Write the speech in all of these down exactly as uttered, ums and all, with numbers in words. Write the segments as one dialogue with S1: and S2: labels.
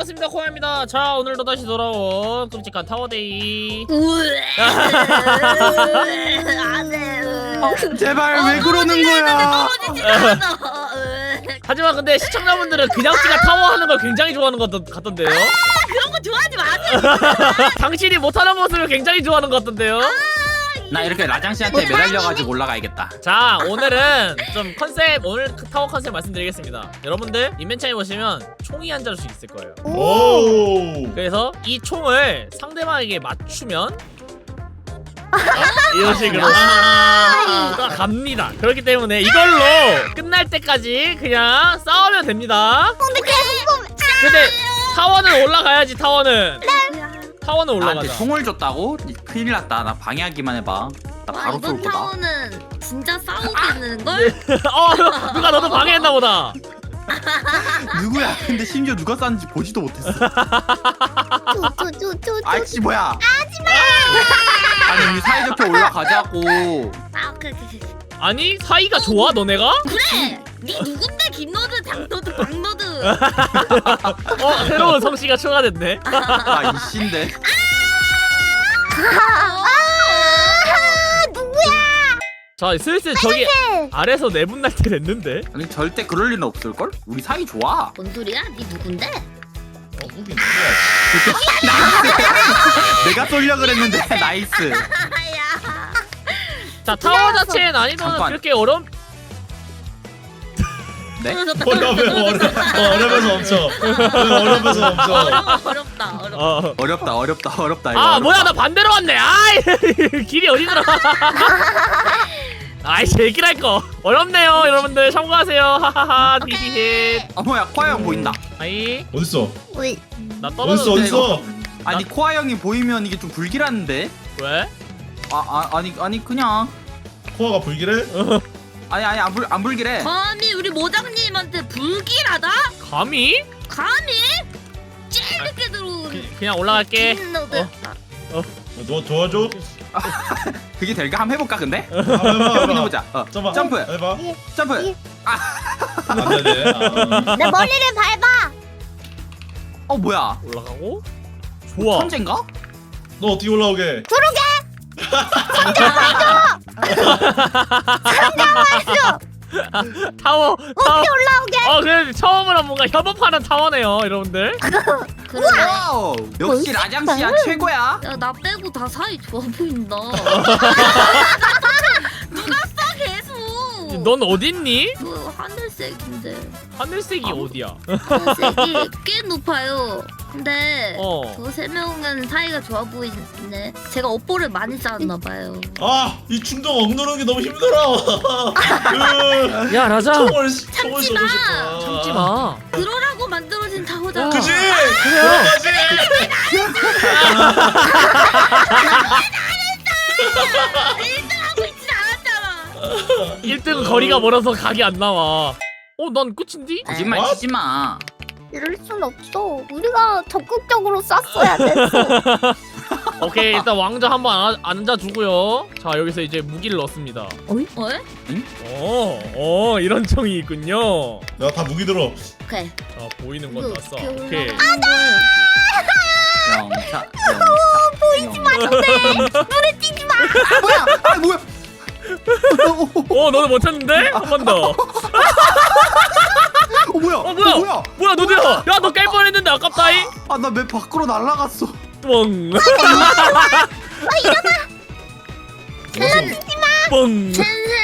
S1: 반갑습니다, 코야입니다. 자, 오늘도 다시 돌아온 끔찍한 타워데이.
S2: 어, 제발 왜 그러는 거야?
S1: 하지만 근데 시청자분들은 그냥 씨가 타워 하는 걸 굉장히 좋아하는 것 같- 같던데요?
S3: 아, 그런 거 좋아하지 마세요.
S1: 당신이 못하는 모습을 굉장히 좋아하는 것 같던데요?
S2: 나 이렇게 라장 씨한테 매달려가지고 올라가야겠다.
S1: 자, 오늘은 좀 컨셉, 오늘 타워 컨셉 말씀드리겠습니다. 여러분들 인벤창에 보시면 총이 한 자루씩 있을 거예요.
S4: 오.
S1: 그래서 이 총을 상대방에게 맞추면 이런 식으로 아 갑니다. 그렇기 때문에 이걸로 끝날 때까지 그냥 싸우면 됩니다.
S3: 근데 계속
S1: 근데 타워는 올라가야지. 타워는 타워는
S2: 나한테
S1: 올라가자.
S2: 총을 줬다고? 큰일 났다. 나 방해하기만 해봐. 나
S3: 와,
S2: 바로 쏠
S3: 이번
S2: 거다.
S3: 타워는 진짜 싸우겠는 걸?
S1: 어, 누가 너도 방해했나 보다.
S2: 누구야? 근데 심지어 누가 쐈는지 보지도 못했어.
S3: 쪼쪼쪼쪼.
S2: 아이씨 뭐야? 하지마! 아니 우리 사이좋게 올라가자고.
S3: 아, 오케이 오케이.
S1: 아니 사이가 좋아 너네가?
S3: 그래. 네 누군데 김너드, 장너드, 박너드.
S1: 어 새로운 성씨가 추가됐네.
S2: 나 이씨인데.
S1: 자 슬슬 저기 아래서 내분 날 때 됐는데.
S2: 아니 절대 그럴 리는 없을걸? 우리 사이 좋아.
S3: 뭔 소리야? 네 누군데?
S4: 어, 무기 누구야?
S2: 내가 쏠려 그랬는데 나이스.
S3: 아야.
S1: 자 타워 자체의 난이도는
S2: 잠깐.
S1: 그렇게 어려운.
S2: 네?
S4: 어려워 어려 어려면서 엄청 어려면서 엄청.
S3: 어려워 어렵다 어렵다.
S1: 어.
S2: 어렵다 어렵다 어렵다 이거.
S1: 아
S2: 어렵다.
S1: 뭐야 나 반대로 왔네. 아이 길이 어디더라. 아이 제길 할 거. 어렵네요 여러분들 참고하세요. 하하하 히히히.
S2: 아 뭐야 코아 형 보인다.
S1: 아이
S4: 어딨어?
S3: 우리
S1: 나
S4: 어딨어
S1: 떨어졌는데.
S4: 어딨어?
S2: 아니 코아 형이 보이면 이게 좀 불길한데?
S1: 왜?
S2: 아, 아 아니 아니 그냥
S4: 코아가 불길해?
S2: 아니 아니 안, 불, 안 불길해.
S3: 감히 우리 모장님한테 불길하다?
S1: 감히?
S3: 감히? 제일 늦게 들어오는
S1: 그, 그냥 올라갈게.
S3: 김너드.
S1: 어.
S4: 너 도와줘?
S2: 그게 될까? 한번 해볼까 근데?
S4: 한번 해봐 해봐.
S2: 해보자. 어.
S4: 잠깐만.
S2: 점프
S4: 해봐.
S2: 점프.
S4: 안되네. 아.
S3: 내 머리를 밟아.
S2: 어 뭐야?
S1: 올라가고. 좋아.
S2: 천재인가?
S4: 너 어떻게 올라오게?
S1: 타워 타워.
S3: 올라오게.
S1: 어 그래 처음으로 뭔가 협업하는 타워네요 여러분들.
S3: 그래.
S2: 와우! 역시 라장 씨야 최고야.
S3: 야, 나 빼고 다 사이 좋아 보인다. 누가 써 계속.
S1: 넌 어딨니?
S3: 그 하늘색인데.
S1: 하늘색이 어디야?
S3: 하늘색이 꽤 높아요. 근데
S1: 어.
S3: 저 세 명은 사이가 좋아 보이네. 제가 업보를 많이 쌓았나 봐요.
S4: 아이 충동 억누르는 게 너무 힘들어. 으,
S1: 야 라자.
S4: 총을 총을
S3: 참지 마.
S4: 쏘고 싶다.
S1: 참지 마.
S3: 그러라고 만들어진 타워잖아.
S4: 그지?
S1: 그래요.
S4: 그거지.
S3: 하고 있진 않았잖아.
S1: 일 등 거리가 멀어서 각이 안 나와. 어 난 끝인디?
S2: 거짓말
S4: 어?
S2: 치지 마.
S5: 이럴 순 없어. 우리가 적극적으로 쐈어야 됐어.
S1: 오케이 일단 왕자 한번 안- 앉아주고요. 자 여기서 이제 무기를 넣습니다.
S3: 어?
S1: 어, 어 이런 총이 있군요.
S4: 야 다 무기 들어.
S3: 오케이.
S1: 자 보이는 건
S3: 이거
S1: 났어.
S3: 어떻게
S1: 오케이.
S3: 올라가는 거야?
S2: 영차. 영차. 보이지 마. 눈에 띄지 마. 아 뭐야? 아 뭐야?
S1: 어 너는 못 찾는데? 한 번 더.
S2: 어 뭐야?
S1: 어 뭐야?
S2: 어, 뭐야?
S1: 뭐야 너도야? 야 너 깰 뻔했는데 아깝다이.
S2: 아나 맵 밖으로 날아갔어.
S1: 뻥. 뻥.
S3: 센세.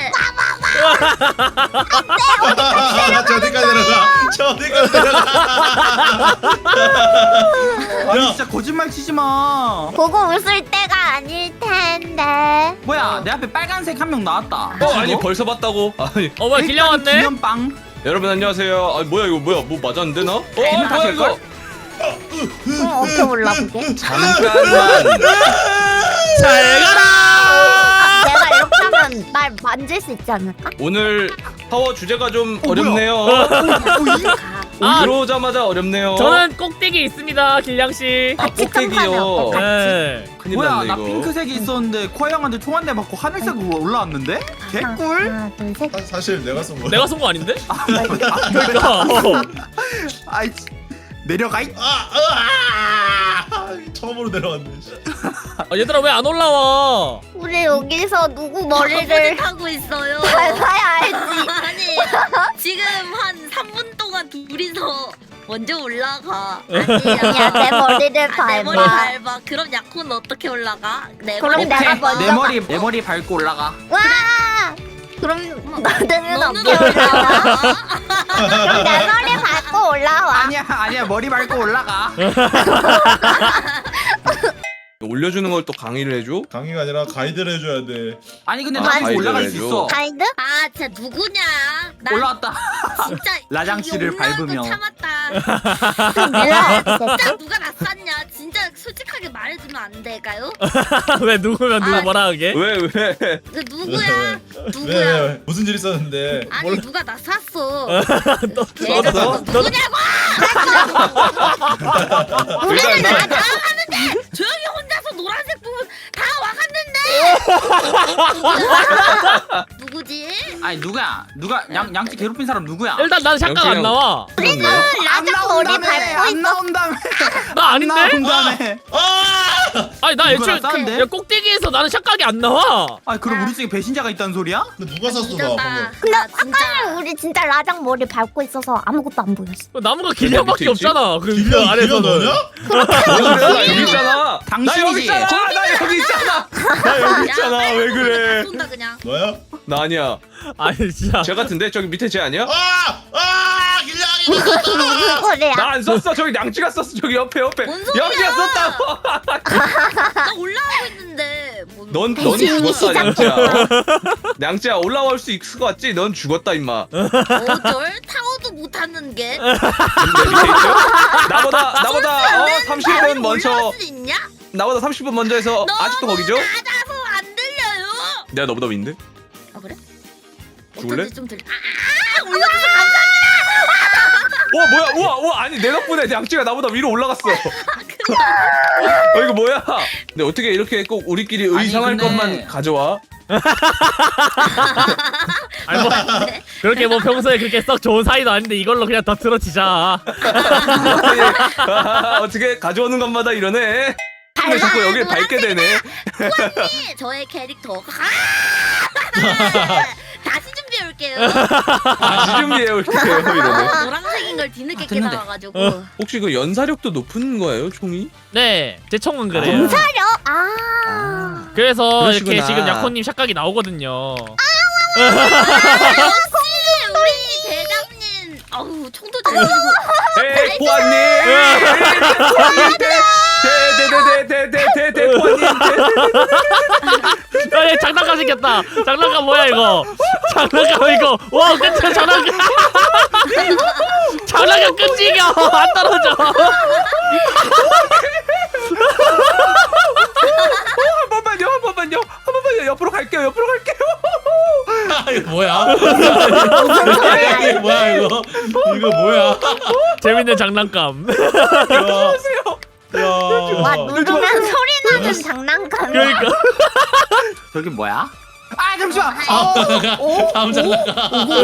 S4: 아, 저 어디까지 내려가? 저 어디까지 내려가?
S2: 아니
S4: 야.
S2: 진짜 거짓말 치지 마.
S5: 보고 웃을 때가 아닐 텐데.
S2: 뭐야? 내 앞에 빨간색 한 명 나왔다.
S6: 어 아니 벌써 봤다고? 아니
S1: 어 뭐야 길냥 왔네?
S2: 기념빵.
S6: 여러분 안녕하세요. 아 뭐야 이거 뭐야 뭐 맞았는데 나? 어
S2: 게임
S6: 아니, 뭐야
S2: 하실걸?
S6: 이거?
S5: 그럼 어떻게 올라보게?
S6: 잠깐만.
S1: 잘 가라.
S5: 내가 이렇게 하면 날 만질 수 있지 않을까?
S6: 오늘 타워 주제가 좀
S2: 어,
S6: 어렵네요.
S1: 아,
S6: 들어오자마자 어렵네요.
S1: 저는 꼭대기에 있습니다 길냥 씨.
S6: 아 꼭대기요.
S1: 네.
S6: 큰일
S2: 뭐야?
S6: 났네
S2: 나
S6: 이거.
S2: 핑크색이 있었는데 코아 형한테 총 한 대 맞고 하늘색으로 올라왔는데? 개꿀.
S5: 하나, 둘, 셋.
S4: 사, 사실 내가 쏜 거야.
S1: 내가 쏜 거 아닌데?
S2: 아,
S1: 그러니까. 어.
S2: 아이 씨. 내려가 이.
S4: 아, 아, 아, 처음으로 내려왔네. 씨.
S1: 아, 얘들아 왜 안 올라와?
S5: 우리 여기서 누구 머리를
S3: 머리를 하고 있어요.
S5: 밟아야 알지.
S3: 아니 지금 한 삼 분 동안 둘이서 먼저 올라가.
S5: 아니야, 내 머리를
S3: 아, 내 머리
S5: 밟아.
S3: 밟아. 그럼 야코는 어떻게 올라가? 내
S5: 그럼
S3: 머리
S5: 내가
S3: 밟아.
S5: 먼저
S2: 내 머리 내 머리 밟고 올라가.
S5: 와! 그럼 너는
S3: 너는
S5: 어떻게 올라와?
S3: 올라와.
S5: 그럼 내 머리 밟고 올라와.
S2: 아니야 아니야 머리 밟고 올라가.
S6: 올려주는 걸 또 강의를 해줘?
S4: 강의가 아니라 가이드를 해줘야 돼.
S2: 아니 근데
S6: 아,
S2: 나 계속
S6: 가이드
S2: 올라갈 수
S6: 해줘.
S2: 있어.
S5: 가이드?
S3: 아 진짜 누구냐? 나
S2: 올라왔다.
S3: 진짜
S2: 라장 씨를
S3: 이 올라온 거
S2: 밟으며.
S3: 참았다.
S5: 내가
S3: 진짜 누가 낯섰냐? 진짜 솔직하게 말해주면 안 될까요?
S1: 왜 누구면 누구
S3: 아.
S1: 뭐라 하게?
S6: 왜 왜?
S3: 그 누구야?
S4: 왜,
S3: 누구야?
S4: 왜, 왜? 무슨 일 있었는데?
S3: 아니
S1: 몰라.
S3: 누가 낯섰어?
S1: 또
S3: 얘가
S6: 너?
S3: 누구냐고?
S5: 우리는
S3: 나
S5: 나
S3: 다 왔는데 조용히 혼자서 노란색 부분 다 와갔는데 누구지?
S2: 아니 누구야? 누가 양 양치 괴롭힌 사람 누구야?
S1: 일단 난 잠깐 안 나와.
S5: 우리는 라장 머리 밟고
S2: 안
S5: 있어.
S2: 나온다며.
S1: 나 아닌데?
S2: 나온다며.
S4: 아!
S1: 아니 나 애초에
S2: 누구랑 싸운대?
S1: 야, 꼭대기에서 나는 샷각이 안 나와.
S2: 아 그럼 우리 쪽에 배신자가 있다는 소리야?
S4: 근데 누가 샀어 나
S3: 믿었다.
S4: 방금?
S5: 근데
S3: 나 진짜
S5: 아까는 우리 진짜 라장 머리 밟고 있어서 아무것도 안 보였어.
S1: 나무가 길냥밖에
S6: 밑에 있지?
S1: 없잖아. 그
S4: 길냥 길냥
S1: 아래서는.
S4: 너냐?
S6: 나 여기 있잖아. 나
S2: 당신이지.
S6: 여기 있잖아. 나 여기 있잖아. 나 여기 있잖아. 왜 그래?
S3: 쏜다 그냥.
S4: 너야?
S6: 나 아니야.
S1: 아니 진짜.
S6: 쟤 같은데 저기 밑에 쟤 아니야?
S4: 아! 아! 길냥이
S5: 무슨 소리야?
S6: 나 안 썼어. 저기 냥치가 썼어. 저기 옆에 옆에.
S3: 뭔 소리야?
S6: 냥치가 썼다고.
S3: 나 올라가고 있는데. 뭐-
S6: 넌, 넌
S5: 배신이
S6: 죽었어,
S5: 시작.
S6: 냥치야. 냥치야, 올라올 수 있을 것 같지? 넌 죽었다, 임마.
S3: 어쩔 타워도 못 타는 게.
S6: 근데 밑에 있죠? 나보다, 나보다, 어, 삼십 분
S3: 올라갈
S6: 먼저,
S3: 수 있냐?
S6: 나보다 삼십 분 먼저 해서 아직도 거기죠?
S3: 낮아서 안 들려요.
S6: 내가 너보다 윈데?
S3: 아 그래?
S6: 죽을래?
S3: 어쩐지 좀 들려. 아, 올려줘서 감사.
S6: 와, 뭐야, 우와, 우와, 아니, 내 덕분에 냥치가 나보다 위로 올라갔어. 어, 이거 뭐야? 근데 어떻게 이렇게 꼭 우리끼리
S2: 아니,
S6: 의상할
S2: 근데-
S6: 것만 가져와?
S1: 아니 뭐 그렇게 뭐 평소에 그렇게 썩 좋은 사이도 아닌데 이걸로 그냥 더 틀어치자.
S6: 어떻게 가져오는 것마다 이러네? 근데 자꾸 여길 밟게 되네.
S3: 저의 캐릭터. 다시 준비해 올게요.
S6: 다시 준비해 올게요, 이러네.
S3: 노란색인 걸 뒤늦게
S2: 아, 됐는데.
S3: 깨달아가지고.
S1: 어.
S6: 혹시 그 연사력도 높은 거예요, 총이?
S1: 네, 제 총은 그래요.
S5: 사려? 아.
S1: 그래서
S6: 그러시구나.
S1: 이렇게 지금 약혼님 샷각이 나오거든요.
S3: 역시 우리 대장님. 아우 총도 잘 쏘고.
S6: 에이, 보아님! 보아님! 대대대대대대대대 보아님!
S1: 아니 장난감 생겼다. 장난감 뭐야 이거? 장난감 이거. 와 끝에 장난감. 장난감 끈질겨. 안 떨어져.
S6: 한 번만요, 한 번만요, 한 번만요. 옆으로 갈게요, 옆으로 갈게요.
S4: 아, 이거 뭐야? 이거 뭐야 이거? 이거 뭐야?
S1: 재밌는 장난감.
S4: 야, 야.
S5: 와 누르면 소리 나는 장난감.
S1: 그러니까.
S2: 저기 뭐야? 아 잠시만.
S4: 다음 장난감.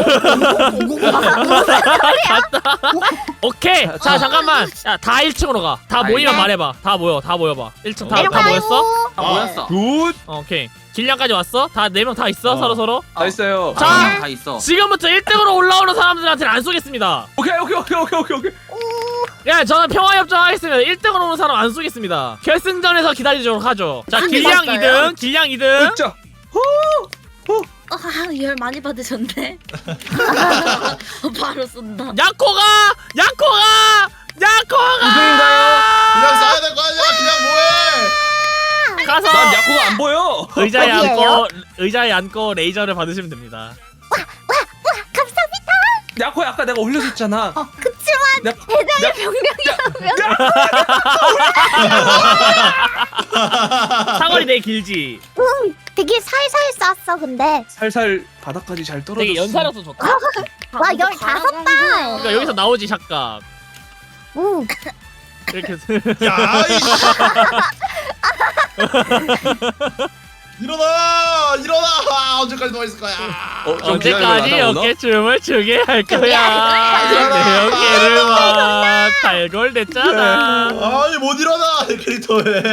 S1: 오케이. 자 잠깐만. 야 다 일 층으로 가. 다 모이면
S5: 네.
S1: 말해봐. 다 모여. 다 모여봐. 일 층 다 다
S5: 내려가요.
S1: 모였어?
S2: 아 뭐였어?
S6: 굿!
S1: 어, 오케이. 길량까지 왔어? 다 네 명 다 있어?
S6: 어.
S1: 서로 서로?
S6: 다 있어요.
S1: 자.
S2: 아, 다 있어.
S1: 지금부터 일 등으로 올라오는 사람들한테는 안 쏘겠습니다.
S6: 오케이, 오케이, 오케이, 오케이, 오케이, 오케이.
S1: 야, 저는 평화협정하겠습니다. 일 등으로 오는 사람 안 쏘겠습니다. 결승전에서 기다리도록 하죠. 자,
S3: 안
S1: 길량
S3: 죽었어요?
S1: 이 등, 길량 이 등.
S6: 자,
S3: 어, 열 많이 받으셨네. 바로 쏜다.
S1: 야코가! 야코가! 야코가!
S6: 이등인가요?
S4: 그냥 싸야 될 거 아니야? 그냥 뭐해?
S1: 가서
S6: 난 야코가 안 보여.
S1: 의자에
S5: 어디예요?
S1: 앉고 의자에 앉고 레이저를 받으시면 됩니다.
S5: 감사합니다.
S6: 야코 아까 내가 올려줬잖아.
S5: 그치만
S6: 야,
S5: 대장의 병력이라면
S1: 사거리 되게 길지.
S5: 응 되게 살살 쐈어 근데.
S6: 살살 바닥까지 잘 떨어졌어.
S1: 되게 연사력도 좋다.
S5: 와 열다섯 발.
S1: 그러니까 여기서 나오지 샷각.
S5: 응.
S1: 이렇게
S4: 야, 이씨. 일어나! 일어나! 아, 언제까지 누워 있을 거야?
S6: 어, 좀 기다려봐,
S1: 언제까지
S6: 나오나?
S1: 어깨춤을 추게 할 거야? 내 어깨를 봐. 달골됐잖아.
S4: 아니 못 일어나 이 캐릭터에.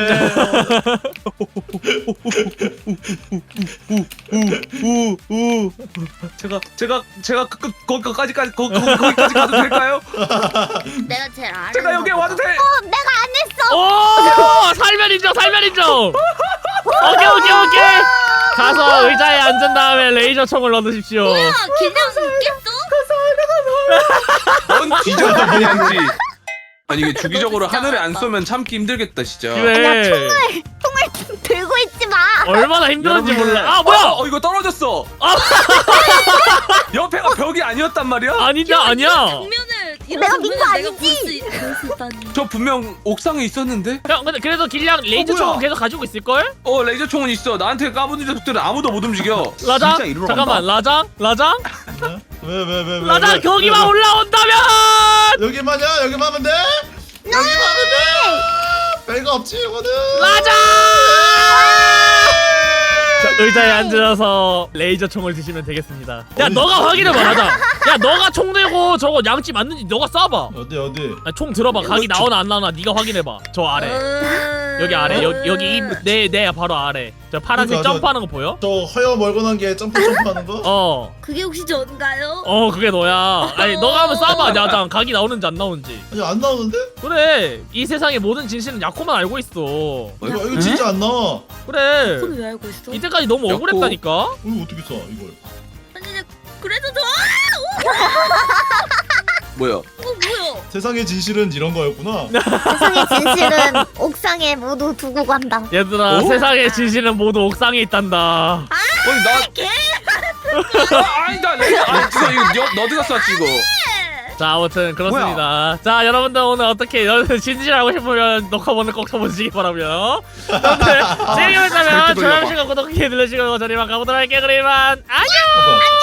S6: 우우우 제가 제가 제가 그, 그, 거, 거기까지 거, 거, 거기까지 가도 될까요?
S3: 내가 제일 아래.
S6: 제가 여기 와도 돼?
S5: 어, 내가 안 했어.
S1: 오! 살면 인정, 살면 인정! 오케이, 오케이, 오케이! 가서 의자에 앉은 다음에 레이저 총을 넣으십시오.
S3: 뭐야 그냥 웃겠어?
S6: 넌 뒤져서 그냥지. 아니 이게 주기적으로 하늘에 안 쏘면 참기 힘들겠다 진짜.
S1: 그래.
S5: 총을 들고 있지 마.
S1: 얼마나 힘들었지
S6: 여러분들.
S1: 몰라. 아, 뭐야!
S6: 어, 어 이거 떨어졌어. 옆에가 벽이 아니었단 말이야?
S1: 아니다, 아니야.
S3: 장면을 이런
S5: 내가 민거
S3: 장면을 내가
S5: 아니지?
S3: 볼수 있다니.
S6: 저 분명 옥상에 있었는데?
S1: 형, 근데 그래도 길냥 레이저
S6: 어, 뭐야?
S1: 총은 계속 가지고 있을걸?
S6: 어 레이저 총은 있어. 나한테 까부는 녀석들은 아무도 못 움직여.
S1: 라장?
S2: 진짜 이리로
S1: 잠깐만, 라장? 라장?
S4: 왜 왜 왜 왜?
S1: 라장
S4: 왜,
S1: 거기만
S4: 왜, 왜?
S1: 올라온다면!
S4: 여기만이야 여기만 하면 돼? 여기만 하면 돼? 별거 없지 이거는.
S1: 라장! 자, 의자에 앉아서 레이저 총을 드시면 되겠습니다. 야,
S4: 어디?
S1: 너가 확인해봐, 라장. 야, 너가 총 들고 저거 양치 맞는지 너가 쏴봐.
S4: 어디 어디?
S1: 아, 총 들어봐. 각이 나오나 안 나오나 네가 확인해봐. 저 아래.
S3: 음.
S1: 여기 아래. 여기 여기 입내내 바로 아래. 저 파란색
S4: 그러니까, 저-
S1: 점프하는 거 보여?
S4: 저 허여 멀건한 게 점프 점프하는 거?
S1: 어.
S3: 그게 혹시 전가요?
S1: 어, 그게 너야. 아니, 너가 한번 쏴봐, 라장. 각이 나오는지 안 나오는지.
S4: 아니 안 나오는데?
S1: 그래. 이 세상의 모든 진실은 야코만 알고 있어.
S4: 이거 이거 진짜 안 나와.
S1: 그래.
S3: 그걸 왜 알고 있어?
S1: 이때까지 너무
S6: 야코.
S1: 억울했다니까.
S4: 이거 어떻게 써 이걸?
S3: 아니 근데 그래도 저
S6: 뭐야?
S3: 어 뭐야?
S4: 세상의 진실은 이런 거였구나.
S5: 세상의 진실은 옥상에 모두 두고 간다.
S1: 얘들아,
S6: 어?
S1: 세상의 진실은 모두 옥상에 있단다.
S6: 아니 나
S3: 개.
S6: 아, 아니 나 레이저 아니 이거 이거 너, 너드가 쐈지 이거.
S1: 자, 아무튼 그렇습니다. 자, 여러분들 오늘 어떻게 여러분 진실하고 싶으면 녹화본을 꼭 쳐보시기 바라고요. 여러분들 재미있다면
S6: 절대
S1: 좋아요,
S6: 돌려봐.
S1: 시간 구독, 기회 눌러주시고 저희만 가보도록 할게요. 그러면 안녕.
S4: 어, 뭐야?